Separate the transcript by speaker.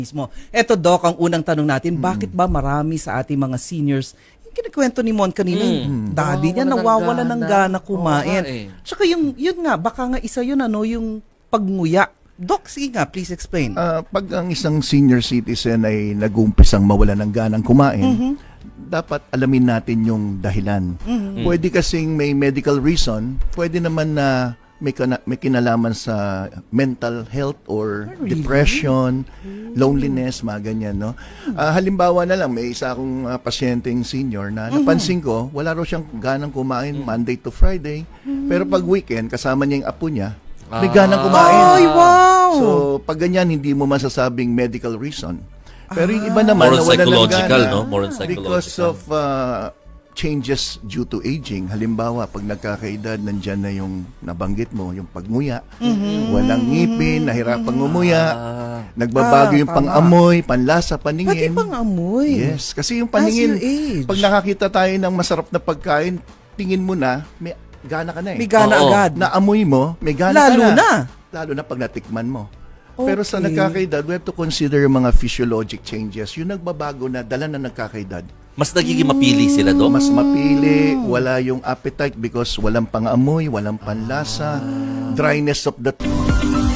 Speaker 1: Mismo. Eto, Doc, ang unang tanong natin, bakit ba marami sa ating mga seniors, yung kinikwento ni Mon kanina, daddy niya nawawala ng gana kumain. Tsaka yun nga, baka nga isa yun, yung pagnguya. Doc, sige nga, please explain.
Speaker 2: Pag ang isang senior citizen ay nag-umpisang mawala ng ganang kumain, dapat alamin natin yung dahilan. Pwede kasing may medical reason, pwede naman na may kinalaman sa mental health or depression, loneliness, mga ganyan, no? Halimbawa na lang, may isa akong pasyenteng senior na napansin ko, wala raw siyang ganang kumain Monday to Friday, pero pag weekend, kasama niya yung apo niya, may ganang kumain.
Speaker 1: Ay, wow!
Speaker 2: So, pag ganyan, hindi mo masasabing medical reason. Pero yung iba naman,
Speaker 3: More on
Speaker 2: nawala ng
Speaker 3: psychological,
Speaker 2: gana
Speaker 3: no? More on psychological.
Speaker 2: because of changes due to aging. Halimbawa, pag nagkakaedad, nandyan na yung nabanggit mo, yung pagnguya, walang ngipin, nahirapang ngumuya, nagbabago yung
Speaker 1: tama.
Speaker 2: pang-amoy, panlasa,
Speaker 1: Pati
Speaker 2: paningin.
Speaker 1: pang amoy.
Speaker 2: Yes, kasi yung
Speaker 1: As you
Speaker 2: paningin,
Speaker 1: age.
Speaker 2: pag nakakita tayo ng masarap na pagkain, tingin mo na, may gana ka na eh.
Speaker 1: May gana
Speaker 3: Oo.
Speaker 1: agad.
Speaker 2: Naamoy mo, may gana
Speaker 1: Lalo
Speaker 2: ka na.
Speaker 1: na.
Speaker 2: Lalo na pag natikman mo. Pero sa
Speaker 1: Okay.
Speaker 2: nagkakaedad, we have to consider yung mga physiologic changes. Yung nagbabago na dala na nagkakaedad.
Speaker 3: Mas nagiging mapili sila, Dok?
Speaker 2: Mas mapili, wala yung appetite because walang pang-amoy, walang panlasa, dryness of the